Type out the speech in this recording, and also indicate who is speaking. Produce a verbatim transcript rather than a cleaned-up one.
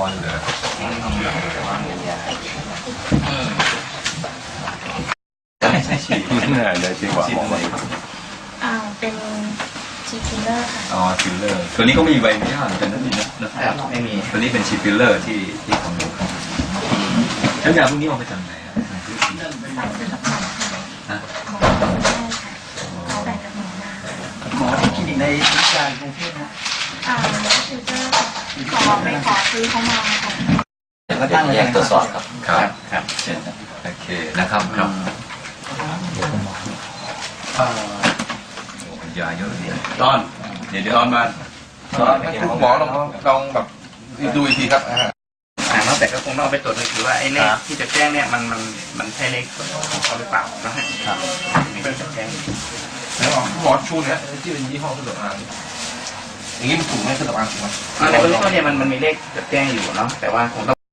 Speaker 1: เหรอใช่ฉีดเนี่ยเลยจริงกว่าบอกเลย
Speaker 2: อ่าเป็นชีฟิลเลอร์ค่ะ
Speaker 1: อ๋อฟิลเลอร์ตัวนี้ก็มีใบอนุญาตกันนั่นเองนะ
Speaker 3: ไม่มี
Speaker 1: ตัวนี้เป็นชีฟิลเลอร์ที่ที่ของหนูแล้วยาพวกนี้เอาไปจากไหนอ่ะ
Speaker 2: สั่งซื้อกับหมอค่ะหมอไม่ได้ค่ะเขาแบ่งกับหมอมา
Speaker 3: หมอที่คลินิกในวิชากรุงเทพนะ
Speaker 2: อ่าฟิลเลอร์ขอไปขอซื้อเขามาค่ะ
Speaker 3: แล้วตั้งแยกตรวจสอบครับ
Speaker 1: ครับครับเช่นโอเคนะครับครับยาเยอะเลย
Speaker 4: ตอน
Speaker 1: เดี๋ยวเดี๋ยว
Speaker 4: ตอนมาคุณหมอลองลองแบบดูอีกทีครับอ่า
Speaker 3: แต่ก็คงต้องเอาไปตรวจดูคือว่าไอ้เลขที่จะแจ้งเนี่ยมันมันมันใช่เลขของเขาหรือเปล่านะฮะไม่ได้แจ้ง
Speaker 4: แล้วหมอชูเนี่ยที่เป็นยี่ห้อเครื่องสำอางอย่างนี้มันถูกไหมเครื่องสำอางถูกไหม
Speaker 3: ในเบื้องต้นเนี่ยมันมันมีเลขจดแจ้งอยู่เนาะแต่ว่าคงต้อง